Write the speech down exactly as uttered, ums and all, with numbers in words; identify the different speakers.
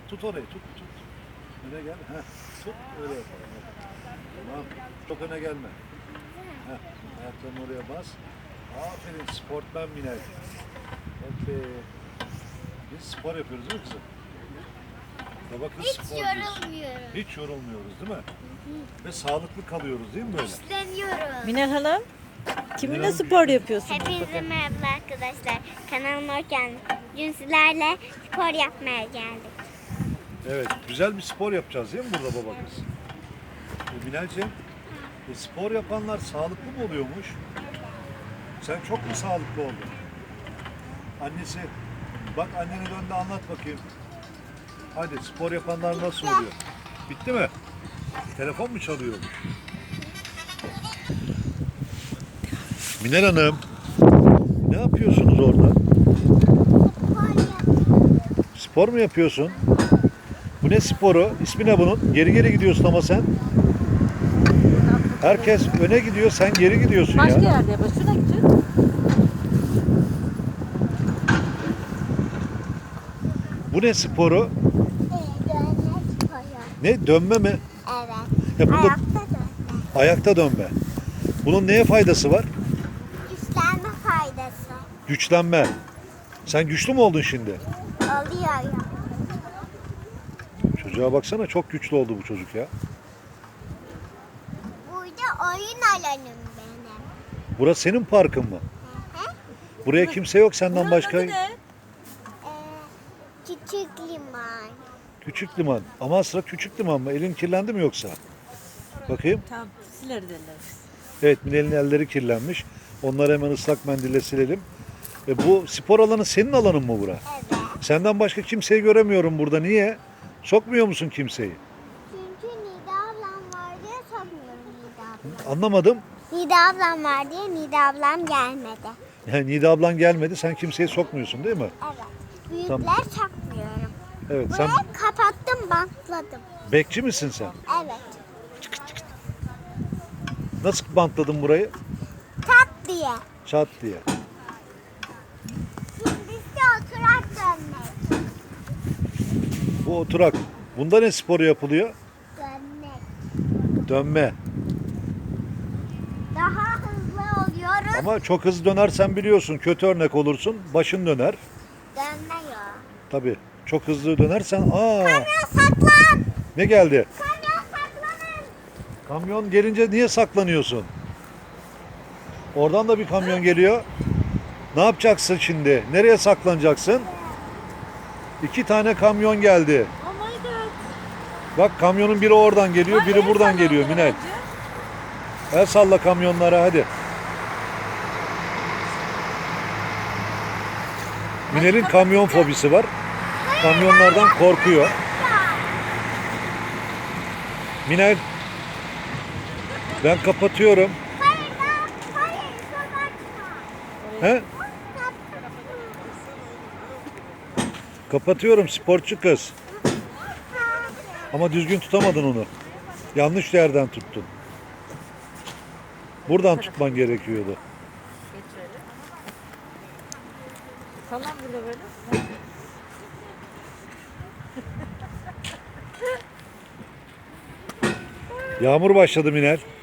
Speaker 1: Tut orayı, tut, tut. Öne gel. Heh, tut, öyle yapalım. Tamam. Çok öne gelme. Heh, ayaklarını oraya bas. Aferin, sportman Minel. Okey. Biz spor yapıyoruz değil mi kızım? Baba kız
Speaker 2: Hiç
Speaker 1: spor
Speaker 2: yorulmuyorum.
Speaker 1: Hiç yorulmuyoruz değil mi? Ve sağlıklı kalıyoruz değil mi böyle?
Speaker 2: İşleniyorum.
Speaker 3: Minel Hanım, kiminle
Speaker 1: Minel-
Speaker 3: spor yapıyorsunuz?
Speaker 2: Hepinize merhaba arkadaşlar. Kanalıma hoş geldiniz. Bugün sizlerle spor yapmaya geldik.
Speaker 1: Evet, güzel bir spor yapacağız değil mi burada baba kız? E, Minelciğim, e, spor yapanlar sağlıklı mı oluyormuş? Sen çok mu sağlıklı oldun? Annesi, bak annene dön de anlat bakayım. Hadi spor yapanlar nasıl oluyor? Bitti mi? Telefon mu çalıyor? Minel Hanım, ne yapıyorsunuz orada? Spor mu yapıyorsun? Bu ne sporu? İsmi ne bunun? Geri geri gidiyorsun ama sen. Herkes öne gidiyor, sen geri gidiyorsun
Speaker 3: Başka
Speaker 1: ya.
Speaker 3: yerde yapar. Şuna gideceğiz.
Speaker 1: Bu ne sporu? Ne? Dönme mi?
Speaker 2: Evet.
Speaker 1: Ya bunda
Speaker 2: Ayakta dönme.
Speaker 1: ayakta dönme. Bunun neye faydası var?
Speaker 2: Güçlenme faydası.
Speaker 1: Güçlenme. Sen güçlü mü oldun şimdi?
Speaker 2: Oluyor ya.
Speaker 1: Çocuğa baksana, çok güçlü oldu bu çocuk ya.
Speaker 2: Burada oyun alanım benim.
Speaker 1: Burası senin parkın mı?
Speaker 2: Hı hı.
Speaker 1: Buraya kimse yok senden
Speaker 3: Buranın
Speaker 1: başka.
Speaker 3: adı ne?
Speaker 2: Ee, küçük liman.
Speaker 1: Küçük liman. Ama sıra küçük liman mı? Elin kirlendi mi yoksa? Bakayım.
Speaker 3: Tamam, sileriz ellerimizi.
Speaker 1: Evet, Minel'in elleri kirlenmiş. Onları hemen ıslak mendille silelim. E, bu spor alanı senin alanın mı bura?
Speaker 2: Evet.
Speaker 1: Senden başka kimseyi göremiyorum burada. Niye? Sokmuyor musun kimseyi?
Speaker 2: Çünkü Nida ablam var diye sokmuyorum Nida ablam.
Speaker 1: Anlamadım.
Speaker 2: Nida ablam var diye Nida ablam gelmedi.
Speaker 1: Yani Nida ablan gelmedi, sen kimseyi sokmuyorsun değil mi?
Speaker 2: Evet. Büyükler
Speaker 1: Tamam.
Speaker 2: sokmuyorum.
Speaker 1: Evet, sen
Speaker 2: Burayı kapattım, bantladım.
Speaker 1: bekçi misin sen?
Speaker 2: Evet.
Speaker 1: Nasıl bantladın burayı?
Speaker 2: Tat diye.
Speaker 1: Çat diye.
Speaker 2: Şimdi ise oturak dönmek.
Speaker 1: Bu oturak. Bunda ne sporu yapılıyor?
Speaker 2: Dönmek.
Speaker 1: Dönme.
Speaker 2: Daha hızlı oluyoruz.
Speaker 1: Ama çok hızlı dönersen biliyorsun, kötü örnek olursun. Başın döner.
Speaker 2: Dönmüyor.
Speaker 1: Tabii. Çok hızlı dönersen aa
Speaker 2: Kamyon saklan.
Speaker 1: ne geldi?
Speaker 2: Kamyon saklanın.
Speaker 1: Kamyon gelince niye saklanıyorsun? Oradan da bir kamyon geliyor. Ne yapacaksın şimdi? Nereye saklanacaksın? İki tane kamyon geldi.
Speaker 3: Oh my god.
Speaker 1: Bak, kamyonun biri oradan geliyor,
Speaker 3: Ay,
Speaker 1: biri
Speaker 3: el
Speaker 1: buradan
Speaker 3: salla
Speaker 1: geliyor
Speaker 3: onlara
Speaker 1: Minel.
Speaker 3: bence.
Speaker 1: El salla kamyonlara hadi. Minel'in kamyon fobisi var. Kamyonlardan korkuyor. Minel, ben kapatıyorum.
Speaker 2: Hayır, daha- hayır, kapatma.
Speaker 1: He? Kapatıyorum sporcu kız. Ama düzgün tutamadın onu. Yanlış yerden tuttun. Buradan tutman gerekiyordu.
Speaker 3: Geç şöyle. Sallan burada böyle.
Speaker 1: Yağmur başladı Minel.